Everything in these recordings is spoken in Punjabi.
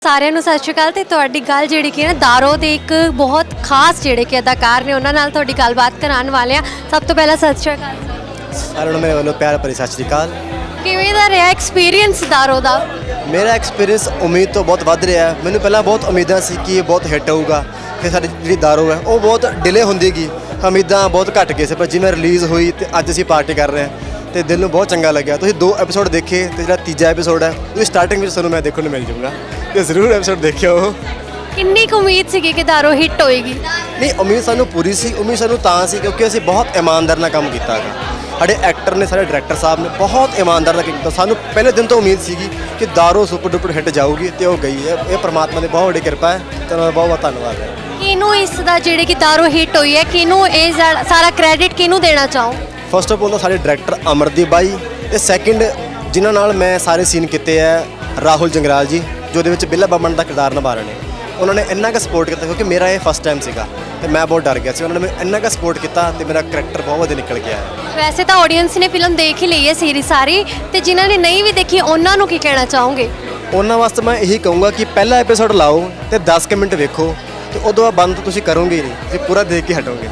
ਸਾਰਿਆਂ ਨੂੰ ਸਤਿ ਸ਼੍ਰੀ ਅਕਾਲ ਤੇ ਤੁਹਾਡੀ ਗੱਲ ਜਿਹੜੀ ਕਿ ਨਾ ਦਾਰੋ ਦੇ ਇੱਕ ਬਹੁਤ ਖਾਸ ਜਿਹੜੇ ਕਿ ਅਦਾਕਾਰ ਨੇ ਉਹਨਾਂ ਨਾਲ ਤੁਹਾਡੀ ਗੱਲਬਾਤ ਕਰਾਉਣ ਵਾਲੇ ਆ। ਸਭ ਤੋਂ ਪਹਿਲਾਂ ਸਤਿ ਸ਼੍ਰੀ ਅਕਾਲ ਸਾਰਿਆਂ ਨੂੰ ਮੇਰੇ ਵੱਲੋਂ ਪਿਆਰ ਭਰੀ ਸਤਿ ਸ਼੍ਰੀ ਅਕਾਲ। ਕਿਵੇਂ ਦਾ ਰਿਹਾ ਐਕਸਪੀਰੀਅੰਸ ਦਾਰੋ ਦਾ? ਮੇਰਾ ਐਕਸਪੀਰੀਅੰਸ ਉਮੀਦ ਤੋਂ ਬਹੁਤ ਵੱਧ ਰਿਹਾ ਹੈ। ਮੈਨੂੰ ਪਹਿਲਾਂ ਬਹੁਤ ਉਮੀਦਾਂ ਸੀ ਕਿ ਇਹ ਬਹੁਤ ਹਿੱਟ ਹੋਊਗਾ, ਫਿਰ ਸਾਡੀ ਜਿਹੜੀ ਦਾਰੋ ਹੈ ਉਹ ਬਹੁਤ ਡਿਲੇ ਹੁੰਦੀ ਗਈ, ਉਮੀਦਾਂ ਬਹੁਤ ਘੱਟ ਗਏ ਸੀ। ਪਰ ਜਿਵੇਂ ਰਿਲੀਜ਼ ਹੋਈ ਤੇ ਅੱਜ ਅਸੀਂ ਪਾਰਟੀ ਕਰ ਰਹੇ ਹਾਂ ਤੇ ਦਿਲ ਨੂੰ ਬਹੁਤ ਚੰਗਾ ਲੱਗਿਆ। ਤੁਸੀਂ 2 ਐਪੀਸੋਡ ਦੇਖੇ ਤੇ ਜਿਹੜਾ ਤੀਜਾ ਐਪੀਸੋਡ ਹੈ ਉਹਦੀ ਸਟਾਰਟਿੰਗ ਵਿੱਚ ਤੁਹਾਨੂੰ ਮੈਂ ਦੇਖਣ ਨੂੰ ਮਿਲ ਜਾਊਗਾ ਤੇ ਜ਼ਰੂਰ ਐਪੀਸੋਡ ਦੇਖਿਓ। ਕਿੰਨੀ ਕੁ ਉਮੀਦ ਸੀਗੀ ਕਿ ਦਾਰੋ ਹਿੱਟ ਹੋਏਗੀ? ਨਹੀਂ, ਉਮੀਦ ਸਾਨੂੰ ਪੂਰੀ ਸੀ। ਉਮੀਦ ਸਾਨੂੰ ਤਾਂ ਸੀ ਕਿਉਂਕਿ ਅਸੀਂ ਬਹੁਤ ਇਮਾਨਦਾਰ ਨਾਲ ਕੰਮ ਕੀਤਾ ਹੈਗਾ। ਸਾਡੇ ਐਕਟਰ ਨੇ, ਸਾਡੇ ਡਾਇਰੈਕਟਰ ਸਾਹਿਬ ਨੇ ਬਹੁਤ ਇਮਾਨਦਾਰ ਨਾਲ ਕੀਤਾ। ਸਾਨੂੰ ਪਹਿਲੇ ਦਿਨ ਤੋਂ ਉਮੀਦ ਸੀਗੀ ਕਿ ਦਾਰੋ ਸੁਪਰ ਡੁਪਰ ਹਿੱਟ ਜਾਊਗੀ ਤੇ ਉਹ ਗਈ ਹੈ। ਇਹ ਪ੍ਰਮਾਤਮਾ ਦੀ ਬਹੁਤ ਵੱਡੀ ਕਿਰਪਾ ਹੈ ਤੇ ਉਹਨਾਂ ਦਾ ਬਹੁਤ ਬਹੁਤ ਧੰਨਵਾਦ ਹੈ। ਕਿਹਨੂੰ ਇਸ ਦਾ ਜਿਹੜੇ ਕਿ ਦਾਰੋ ਹਿੱਟ ਹੋਈ ਹੈ, ਕਿਹਨੂੰ ਇਹ ਸਾਰਾ ਕ੍ਰੈਡਿਟ ਕਿਹਨੂੰ ਦੇਣਾ ਚਾਹੋ? ਫਸਟ ਆਫ ਆਲ ਤਾਂ ਸਾਡੇ ਡਾਇਰੈਕਟਰ ਅਮਰਦੀਪ ਬਾਈ ਤੇ ਸੈਕਿੰਡ ਜਿਨ੍ਹਾਂ ਨਾਲ ਮੈਂ ਸਾਰੇ ਸੀਨ ਕੀਤੇ ਹੈ ਰਾਹੁਲ ਜੰਗਰਾਲ ਜੀ, ਜੋ ਉਹਦੇ ਵਿੱਚ ਬਿੱਲਾ ਬਾਮਣ ਦਾ ਕਿਰਦਾਰ ਨਿਭਾ ਰਹੇ ਨੇ। ਉਹਨਾਂ ਨੇ ਇੰਨਾ ਕੁ ਸਪੋਰਟ ਕੀਤਾ ਕਿਉਂਕਿ ਮੇਰਾ ਇਹ ਫਸਟ ਟਾਈਮ ਸੀਗਾ ਤੇ ਮੈਂ ਬਹੁਤ ਡਰ ਗਿਆ ਸੀ। ਉਹਨਾਂ ਨੇ ਮੈਨੂੰ ਇੰਨਾ ਕੁ ਸਪੋਰਟ ਕੀਤਾ ਤੇ ਮੇਰਾ ਕਰੈਕਟਰ ਬਹੁਤ ਵਧੀਆ ਨਿਕਲ ਗਿਆ ਹੈ। ਵੈਸੇ ਤਾਂ ਆਡੀਅנס ਨੇ ਫਿਲਮ ਦੇਖ ਹੀ ਲਈ ਹੈ ਸੀਰੀਜ਼ ਸਾਰੀ, ਤੇ ਜਿਨ੍ਹਾਂ ਨੇ ਨਹੀਂ ਵੀ ਦੇਖੀ ਉਹਨਾਂ ਨੂੰ ਕੀ ਕਹਿਣਾ ਚਾਹੋਗੇ? ਉਹਨਾਂ ਵਾਸਤੇ ਮੈਂ ਇਹੀ ਕਹੂੰਗਾ ਕਿ ਪਹਿਲਾ ਐਪੀਸੋਡ ਲਾਓ ਤੇ 10 ਕੁ ਮਿੰਟ ਵੇਖੋ ਤੇ ਉਦੋਂ ਬਾਅਦ ਬੰਦ ਤੁਸੀਂ ਕਰੋਗੇ ਹੀ ਨਹੀਂ, ਤੁਸੀਂ ਪੂਰਾ ਦੇਖ ਕੇ ਹਟੋਗੇ।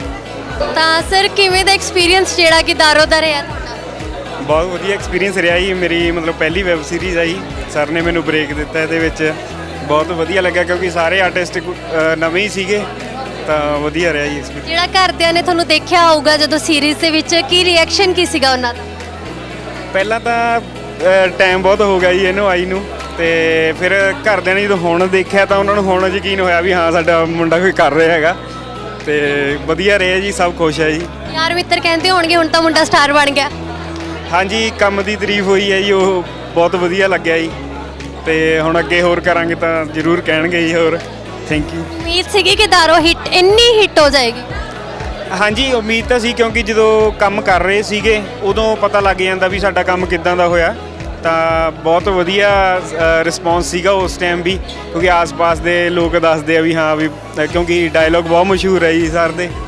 ਤਾਂ ਸਰ ਕਿਵੇਂ ਦਾ ਐਕਸਪੀਰੀਅੰਸ ਜਿਹੜਾ ਕਿ ਦਾਰੋ ਦਾ ਰਿਹਾ ਤੁਹਾਡਾ? ਬਹੁਤ ਵਧੀਆ ਐਕਸਪੀਰੀਅੰਸ ਰਿਹਾ ਜੀ। ਮੇਰੀ ਮਤਲਬ ਪਹਿਲੀ ਵੈਬ ਸੀਰੀਜ਼ ਆ ਜੀ। ਸਰ ਨੇ ਮੈਨੂੰ ਬ੍ਰੇਕ ਦਿੱਤਾ ਇਹਦੇ ਵਿੱਚ, ਬਹੁਤ ਵਧੀਆ ਲੱਗਿਆ ਕਿਉਂਕਿ ਸਾਰੇ ਆਰਟਿਸਟ ਨਵੇਂ ਹੀ ਸੀਗੇ ਤਾਂ ਵਧੀਆ ਰਿਹਾ ਜੀ ਐਕਸਪੀਰੀਅੰਸ। ਜਿਹੜਾ ਘਰਦਿਆਂ ਨੇ ਤੁਹਾਨੂੰ ਦੇਖਿਆ ਹੋਊਗਾ ਜਦੋਂ ਸੀਰੀਜ਼ ਦੇ ਵਿੱਚ, ਕੀ ਰਿਐਕਸ਼ਨ ਕੀ ਸੀਗਾ ਉਹਨਾਂ ਦਾ? ਪਹਿਲਾਂ ਤਾਂ ਟਾਈਮ ਬਹੁਤ ਹੋ ਗਿਆ ਜੀ ਇਹਨੂੰ ਆਈ ਨੂੰ, ਤੇ ਫਿਰ ਘਰਦਿਆਂ ਨੇ ਜਦੋਂ ਹੁਣ ਦੇਖਿਆ ਤਾਂ ਉਹਨਾਂ ਨੂੰ ਹੁਣ ਯਕੀਨ ਹੋਇਆ ਵੀ ਹਾਂ ਸਾਡਾ ਮੁੰਡਾ ਕੋਈ ਕਰ ਰਿਹਾ ਹੈਗਾ ਤੇ ਵਧੀਆ ਰਿਹਾ ਜੀ। ਸਭ ਖੁਸ਼ ਹੈ ਜੀ। ਯਾਰ ਮਿੱਤਰ ਕਹਿੰਦੇ ਹੋਣਗੇ ਹੁਣ ਤਾਂ ਮੁੰਡਾ ਸਟਾਰ ਬਣ ਗਿਆ। ਹਾਂਜੀ, ਕੰਮ ਦੀ ਤਾਰੀਫ ਹੋਈ ਹੈ ਜੀ, ਉਹ ਬਹੁਤ ਵਧੀਆ ਲੱਗਿਆ ਜੀ ਤੇ ਹੁਣ ਅੱਗੇ ਹੋਰ ਕਰਾਂਗੇ ਤਾਂ ਜ਼ਰੂਰ ਕਹਿਣਗੇ ਜੀ। ਹੋਰ ਥੈਂਕ ਯੂ। ਉਮੀਦ ਸੀਗੀ ਕਿ ਦਾਰੋ ਇੰਨੀ ਹਿੱਟ ਹੋ ਜਾਏਗੀ? ਹਾਂਜੀ, ਉਮੀਦ ਤਾਂ ਸੀ ਕਿਉਂਕਿ ਜਦੋਂ ਕੰਮ ਕਰ ਰਹੇ ਸੀਗੇ ਉਦੋਂ ਪਤਾ ਲੱਗ ਜਾਂਦਾ ਵੀ ਸਾਡਾ ਕੰਮ ਕਿੱਦਾਂ ਦਾ ਹੋਇਆ। ਤਾਂ ਬਹੁਤ ਵਧੀਆ ਰਿਸਪੌਂਸ ਸੀਗਾ ਉਸ ਟਾਈਮ ਵੀ, ਕਿਉਂਕਿ ਆਸ-ਪਾਸ ਦੇ ਲੋਕ ਦੱਸਦੇ ਆ ਵੀ ਹਾਂ ਵੀ ਕਿਉਂਕਿ ਡਾਇਲੋਗ ਬਹੁਤ ਮਸ਼ਹੂਰ ਹੈ ਜੀ ਸਰ ਦੇ,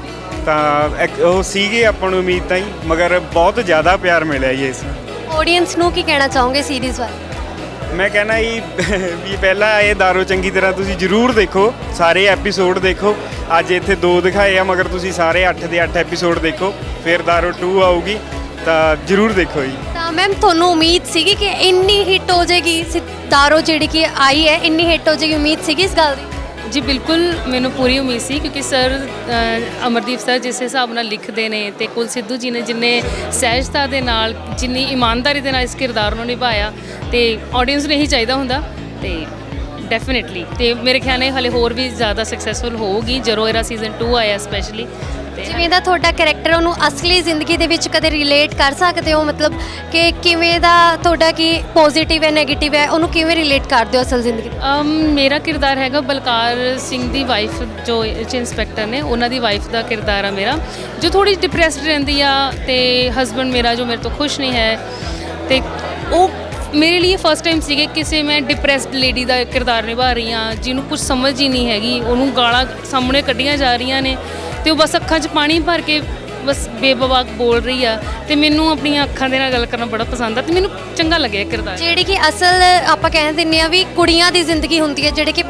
ਤਾਂ ਉਹ ਸੀਗੇ ਆਪਾਂ ਨੂੰ ਉਮੀਦ ਤਾਂ ਹੀ, ਮਗਰ ਬਹੁਤ ਜ਼ਿਆਦਾ ਪਿਆਰ ਮਿਲਿਆ ਜੀ ਇਸ ਆਡੀਅנס ਨੂੰ ਕੀ ਕਹਿਣਾ ਚਾਹੋਗੇ ਸੀਰੀਜ਼ ਬਾਰੇ? ਮੈਂ ਕਹਿਣਾ ਜੀ ਵੀ ਪਹਿਲਾਂ ਇਹ ਦਾਰੋ ਚੰਗੀ ਤਰ੍ਹਾਂ ਤੁਸੀਂ ਜ਼ਰੂਰ ਦੇਖੋ, ਸਾਰੇ ਐਪੀਸੋਡ ਦੇਖੋ। ਅੱਜ ਇੱਥੇ 2 ਦਿਖਾਏ ਆ ਮਗਰ ਤੁਸੀਂ ਸਾਰੇ 8 ਦੇ 8 ਐਪੀਸੋਡ ਦੇਖੋ, ਫਿਰ ਦਾਰੋ 2 ਆਊਗੀ ਤਾਂ ਜ਼ਰੂਰ ਦੇਖੋ ਜੀ। ਤਾਂ ਮੈਮ ਤੁਹਾਨੂੰ ਉਮੀਦ ਸੀਗੀ ਕਿ ਇੰਨੀ ਹਿੱਟ ਹੋ ਜਾਏਗੀ ਦਾਰੋ ਜਿਹੜੀ ਕਿ ਆਈ ਹੈ, ਇੰਨੀ ਹਿੱਟ ਹੋ ਜਾਏਗੀ? ਉਮੀਦ ਸੀਗੀ ਇਸ ਗੱਲ ਦੀ? ਜੀ ਬਿਲਕੁਲ, ਮੈਨੂੰ ਪੂਰੀ ਉਮੀਦ ਸੀ ਕਿਉਂਕਿ ਸਰ ਅਮਰਦੀਪ ਸਰ ਜਿਸ ਹਿਸਾਬ ਨਾਲ ਲਿਖਦੇ ਨੇ ਤੇ ਕੁਲ ਸਿੱਧੂ ਜੀ ਨੇ ਜਿੰਨੇ ਸਹਿਜਤਾ ਦੇ ਨਾਲ, ਜਿੰਨੀ ਇਮਾਨਦਾਰੀ ਦੇ ਨਾਲ ਇਸ ਕਿਰਦਾਰ ਨੂੰ ਨਿਭਾਇਆ ਤੇ ਆਡੀਅנס ਨੂੰ ਇਹੀ ਚਾਹੀਦਾ ਹੁੰਦਾ ਤੇ ਡੈਫੀਨਿਟਲੀ ਤੇ ਮੇਰੇ ਖਿਆਲ ਨਾਲ ਹਲੇ ਹੋਰ ਵੀ ਜ਼ਿਆਦਾ ਸਕਸੈਸਫੁਲ ਹੋਊਗੀ ਜਦੋਂ ਇਹਦਾ ਸੀਜ਼ਨ 2 ਆਇਆ ਸਪੈਸ਼ਲੀ। ਜਿਵੇਂ ਦਾ ਤੁਹਾਡਾ ਕੈਰੈਕਟਰ ਉਹਨੂੰ ਅਸਲੀ ਜ਼ਿੰਦਗੀ ਦੇ ਵਿੱਚ ਕਦੇ ਰਿਲੇਟ ਕਰ ਸਕਦੇ ਹੋ? ਮਤਲਬ ਕਿ ਕਿਵੇਂ ਦਾ ਤੁਹਾਡਾ ਕੀ ਪੋਜ਼ਿਟਿਵ ਹੈ, ਨੈਗੇਟਿਵ ਹੈ, ਉਹਨੂੰ ਕਿਵੇਂ ਰਿਲੇਟ ਕਰਦੇ ਹੋ ਅਸਲ ਜ਼ਿੰਦਗੀ? ਮੇਰਾ ਕਿਰਦਾਰ ਹੈਗਾ ਬਲਕਾਰ ਸਿੰਘ ਦੀ ਵਾਈਫ, ਜੋ ਇੰਸਪੈਕਟਰ ਨੇ ਉਹਨਾਂ ਦੀ ਵਾਈਫ ਦਾ ਕਿਰਦਾਰ ਆ ਮੇਰਾ, ਜੋ ਥੋੜੀ ਡਿਪਰੈਸਡ ਰਹਿੰਦੀ ਆ ਤੇ ਹਸਬੈਂਡ ਮੇਰਾ ਜੋ ਮੇਰੇ ਤੋਂ ਖੁਸ਼ ਨਹੀਂ ਹੈ। ਤੇ ਉਹ ਮੇਰੇ ਲਈ ਫਸਟ ਟਾਈਮ ਸੀਗੇ ਕਿਸੇ ਮੈਂ ਡਿਪਰੈਸਡ ਲੇਡੀ ਦਾ ਕਿਰਦਾਰ ਨਿਭਾ ਰਹੀ ਹਾਂ, ਜਿਹਨੂੰ ਕੁਝ ਸਮਝ ਹੀ ਨਹੀਂ ਹੈਗੀ, ਉਹਨੂੰ ਗਾਲਾਂ ਸਾਹਮਣੇ ਕੱਢੀਆਂ ਜਾ ਰਹੀਆਂ ਨੇ ਤੇ ਉਹ ਬਸ ਅੱਖਾਂ 'ਚ ਪਾਣੀ ਭਰ ਕੇ ਬਸ ਬੇਬਵਾਕ ਬੋਲ ਰਹੀ ਆ ਤੇ ਮੈਨੂੰ ਆਪਣੀਆਂ ਅੱਖਾਂ ਦੇ ਨਾਲ ਗੱਲ ਕਰਨਾ ਬੜਾ ਪਸੰਦ ਆ ਤੇ ਮੈਨੂੰ ਚੰਗਾ ਲੱਗਿਆ ਕਿਰਦਾਰ। ਜਿਹੜੀ ਕਿ ਅਸਲ ਆਪਾਂ ਕਹਿ ਦਿੰਦੇ ਆ ਵੀ ਕੁੜੀਆਂ ਦੀ ਜ਼ਿੰਦਗੀ ਹੁੰਦੀ ਹੈ, ਜਿਹੜੇ ਕਿ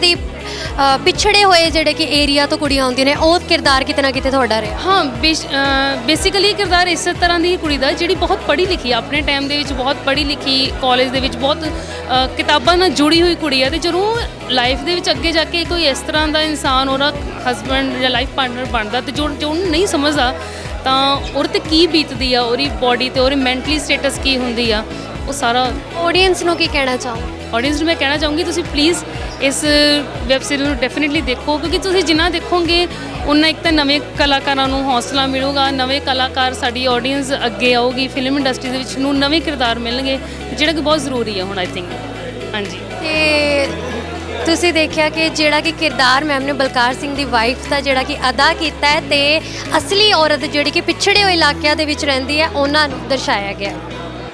ਪਿਛੜੇ ਹੋਏ ਜਿਹੜੇ ਕਿ ਏਰੀਆ ਤੋਂ ਕੁੜੀਆਂ ਹੁੰਦੀਆਂ ਨੇ, ਉਹ ਕਿਰਦਾਰ ਕਿਤੇ ਨਾ ਕਿਤੇ ਤੁਹਾਡਾ ਰਿਹਾ? ਹਾਂ, ਬੇਸਿਕਲੀ ਕਿਰਦਾਰ ਇਸੇ ਤਰ੍ਹਾਂ ਦੀ ਕੁੜੀ ਦਾ ਜਿਹੜੀ ਬਹੁਤ ਪੜ੍ਹੀ ਲਿਖੀ ਆ, ਆਪਣੇ ਟਾਈਮ ਦੇ ਵਿੱਚ ਬਹੁਤ ਪੜ੍ਹੀ ਲਿਖੀ, ਕਾਲਜ ਦੇ ਵਿੱਚ ਬਹੁਤ ਕਿਤਾਬਾਂ ਨਾਲ ਜੁੜੀ ਹੋਈ ਕੁੜੀ ਆ ਤੇ ਜਦੋਂ ਲਾਈਫ ਦੇ ਵਿੱਚ ਅੱਗੇ ਜਾ ਕੇ ਕੋਈ ਇਸ ਤਰ੍ਹਾਂ ਦਾ ਇਨਸਾਨ ਉਹਦਾ ਹਸਬੈਂਡ ਜਾਂ ਲਾਈਫ ਪਾਰਟਨਰ ਬਣਦਾ ਤੇ ਜੋ ਉਹਨੂੰ ਨਹੀਂ ਸਮਝਦਾ ਤਾਂ ਉਹਦੇ 'ਤੇ ਕੀ ਬੀਤਦੀ ਆ, ਉਹਦੀ ਬੋਡੀ 'ਤੇ, ਉਹਦੀ ਮੈਂਟਲੀ ਸਟੇਟਸ ਕੀ ਹੁੰਦੀ ਆ, ਉਹ ਸਾਰਾ। ਆਡੀਅנס ਨੂੰ ਕੀ ਕਹਿਣਾ ਚਾਹੋ? ਆਡੀਅנס ਨੂੰ ਮੈਂ ਕਹਿਣਾ ਚਾਹੂੰਗੀ ਤੁਸੀਂ ਪਲੀਜ਼ ਇਸ ਵੈਬ ਸੀਰੀਜ਼ ਨੂੰ ਡੈਫੀਨਿਟਲੀ ਦੇਖੋ, ਕਿਉਂਕਿ ਤੁਸੀਂ ਜਿੰਨਾ ਦੇਖੋਗੇ ਉਨਾ ਇੱਕ ਤਾਂ ਨਵੇਂ ਕਲਾਕਾਰਾਂ ਨੂੰ ਹੌਸਲਾ ਮਿਲੂਗਾ, ਨਵੇਂ ਕਲਾਕਾਰ, ਸਾਡੀ ਆਡੀਅנס ਅੱਗੇ ਆਊਗੀ, ਫਿਲਮ ਇੰਡਸਟਰੀ ਦੇ ਵਿੱਚ ਨੂੰ ਨਵੇਂ ਕਿਰਦਾਰ ਮਿਲਣਗੇ ਜਿਹੜਾ ਕਿ ਬਹੁਤ ਜ਼ਰੂਰੀ ਹੈ ਹੁਣ ਆਈ ਥਿੰਕ। ਹਾਂਜੀ, ਤੇ ਤੁਸੀਂ ਦੇਖਿਆ ਕਿ ਜਿਹੜਾ ਕਿ ਕਿਰਦਾਰ ਮੈਮ ਨੇ ਬਲਕਾਰ ਸਿੰਘ ਦੀ ਵਾਈਫ ਦਾ ਜਿਹੜਾ ਕਿ ਅਦਾ ਕੀਤਾ ਹੈ ਤੇ ਅਸਲੀ ਔਰਤ ਜਿਹੜੀ ਕਿ ਪਿਛੜੇ ਹੋਏ ਇਲਾਕਿਆਂ ਦੇ ਵਿੱਚ ਰਹਿੰਦੀ ਹੈ ਉਹਨਾਂ ਨੂੰ ਦਰਸਾਇਆ ਗਿਆ।